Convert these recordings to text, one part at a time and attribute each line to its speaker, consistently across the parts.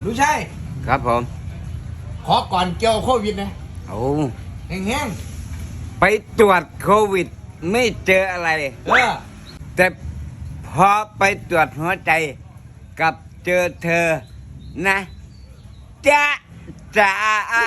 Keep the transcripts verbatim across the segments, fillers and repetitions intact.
Speaker 1: รู้ใช่
Speaker 2: ครับผม
Speaker 1: ขอก่อนเกี่ยวโควิดนะ
Speaker 2: โอ้
Speaker 1: แห้ง
Speaker 2: ๆไปตรวจโควิดไม่เจออะไร
Speaker 1: ๆเออ
Speaker 2: แต่พอไปตรวจหัวใจกับเจอเธอนะจ้าจ้า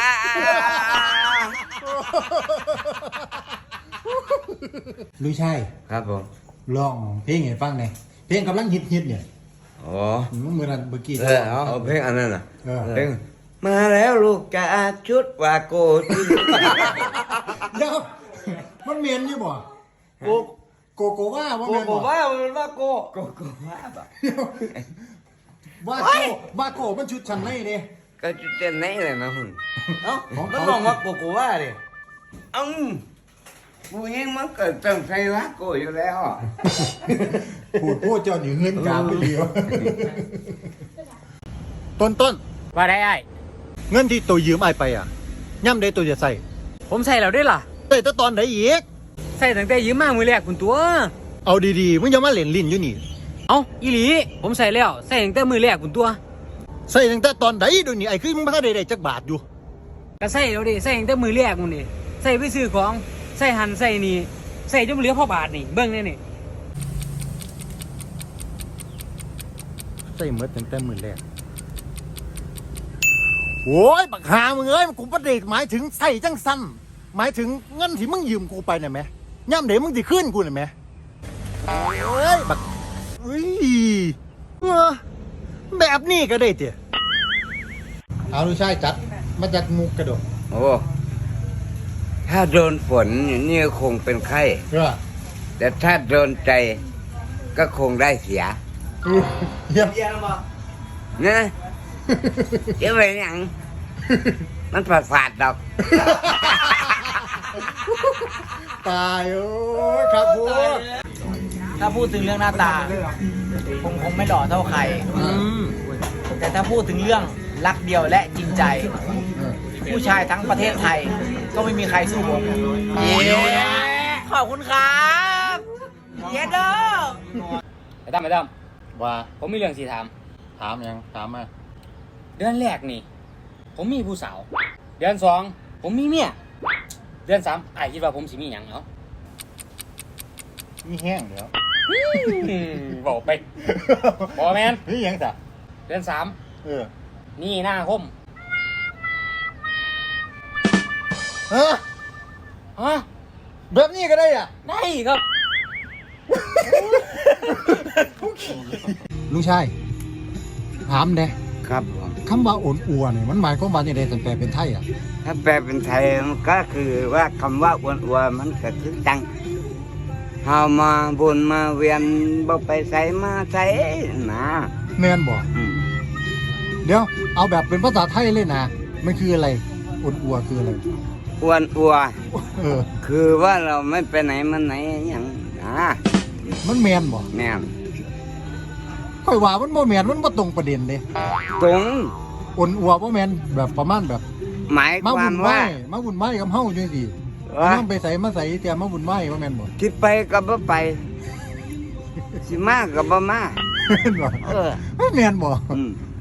Speaker 1: รู้ใช่
Speaker 2: ครับผม
Speaker 1: ลองเพลงให้ฟังหน่อยเพลงกำลังฮิตฮิตเนี่ย
Speaker 2: อ๋อ
Speaker 1: เมื่อนั้นเมื่อกี้
Speaker 2: เออเอาเอาเพลงอันนั้นน่ะเพลงมาแล้วลูกกาชุดวาโกที่
Speaker 1: เดี๋ยวมันเมียนอยู่บ่โกโกโกว่าว่า
Speaker 2: โก
Speaker 1: เมียน
Speaker 2: โก
Speaker 1: บ่
Speaker 2: ว่ามันว่าโกโกโกว่าแบบ
Speaker 1: ว่าโกว่าโกมันชุดชั้นในเด้
Speaker 2: ก็จุดเต้นไหนเลยนะคุณเอ้า
Speaker 1: ของ
Speaker 2: มัน
Speaker 1: เขา
Speaker 2: มองว่าโกโกว่าดิเอ้าผู้หญิงมันเกิดต้องใช้วาโกอยู่แล้ว
Speaker 1: พูดพูดเจ้าหนีเงินกาไปเดียวต้นต้น
Speaker 3: ว่าได้ไอ้
Speaker 1: เงินที่ตัวยืมไอ้ไปอ่ะย่ำได้ตัวจะใส่
Speaker 3: ผมใส่แล้วได้ล่ะ
Speaker 1: ใส่แต่ตอนไหนอีก
Speaker 3: ใส่ตั้งแต่ยืมมามือแรกคุณตัว
Speaker 1: เอาดีๆมึงอย่ามาเล่นลิ้นอยู่นี่
Speaker 3: เอาอีหลีผมใส่แล้วใส่ตั้งแต่มือแรกคุณตัว
Speaker 1: ใส่ตั้งแต่ตอนไหนดูนี่ไอ้คือมึงมาได้ได้จักบาทอยู่
Speaker 3: ก็ใส่แล้วดิใส่ตั้งแต่มือแรกมึงนี่ใส่ไปซื้อของใส่หันใส่นี่ใส่จนเหลือพ่อบาทนี่เบิ้งเนี่ยนี่
Speaker 1: ใส่เมื่อตั้งแต่มือแรกโอ้ยบักหามึงเอ้ยกูประเด็กหมายถึงใส่จังสั้นหมายถึงเงินที่มึงยืมกูไปน่ะแม่ย่ำเดี๋ยวมึงจะขึ้นกูน่ะแม่เอ้ยบักอุ้ยเออแบบนี้ก็ได้เตี๋ยเอาดูใช่จัดมาจากมุกกระโดด
Speaker 2: โอ้ถ้าโดนฝนนี่คงเป็นไข้
Speaker 1: เออ
Speaker 2: แต่ถ้าโดนใจก็คงได้เสีย
Speaker 1: เยี่ยม
Speaker 2: นะจะไปหยังมันฝาดฝาดดอก
Speaker 1: ตายโอ้ยครับพูด
Speaker 4: ถ้าพูดถึงเรื่องหน้าตาคงคงไม่หล่อเท่าใคร แต่ถ้าพูดถึงเรื่องรักเดียวและจริงใจ ผู้ชายทั้งประเทศไทย ก็ไม่มีใครสู้ผมเย้ขอบคุณครับเยดโด
Speaker 3: ไอ้ตั้มไอ้ตั้ม
Speaker 1: ว่า
Speaker 3: ผมมีเรื่องสีถาม
Speaker 1: ถามยังถามมา
Speaker 3: เดือนแรกนี่ ผมมีผู้สาว เดือนสองผมมีเมียเดือนสามไอ้คิดว่าผมสิมีหยังเนาะ
Speaker 1: มีแห้งเดี๋ยว
Speaker 3: บอกไปบอกแมน
Speaker 1: นี่ยังจ้ะ
Speaker 3: เดือนสาม
Speaker 1: เออ
Speaker 3: นี่หน้าคม
Speaker 1: ฮะ
Speaker 3: ฮะ
Speaker 1: แบบนี้ก็ได้อ่ะ
Speaker 3: ได้ครับ
Speaker 1: ลุงชายถามเด้
Speaker 2: ครับผม
Speaker 1: คำว่าอ่อนอัวเนี่ยมันหมายความว่าอย่างไรสันแปลเป็นไทยอ่ะ
Speaker 2: ถ้าแปลเป็นไทยมันก็คือว่าคำว่าอ้วนอ้วนมันก็คือจังเฮามาบุญมาเวียนบ่ไปใส่มาใส่นะ
Speaker 1: แม่นบ่
Speaker 2: อืม
Speaker 1: เดี๋ยวเอาแบบเป็นภาษาไทยเลยนะมันคืออะไรอ่อนอัวคืออะไร
Speaker 2: อ้วนอ้วน
Speaker 1: เออ
Speaker 2: คือว่าเราไม่ไปไหนมาไหนอย่างนะ
Speaker 1: มันแมนบ่
Speaker 2: แม่น
Speaker 1: ค่อยว่ามันบ่แมนมันบ่ตรงประเด็นเด้
Speaker 2: ตรง
Speaker 1: อ่อนอัวบ่แมนแบบประมาณแบบ
Speaker 2: หมาย
Speaker 1: มา
Speaker 2: ค
Speaker 1: บุ
Speaker 2: วาม
Speaker 1: ญไหว้
Speaker 2: ว่า
Speaker 1: มาบุญไหว้กับเฮาจังซี่
Speaker 2: ว่า
Speaker 1: นำไปใส่มาใส่แต่มาบุญไหว้บ่แม่นบ่
Speaker 2: ที่ไปก็บ่ไปสิมาก็บ่มา
Speaker 1: แม่นบ่
Speaker 2: เออ
Speaker 1: ไม่แม่นบ่
Speaker 2: อืม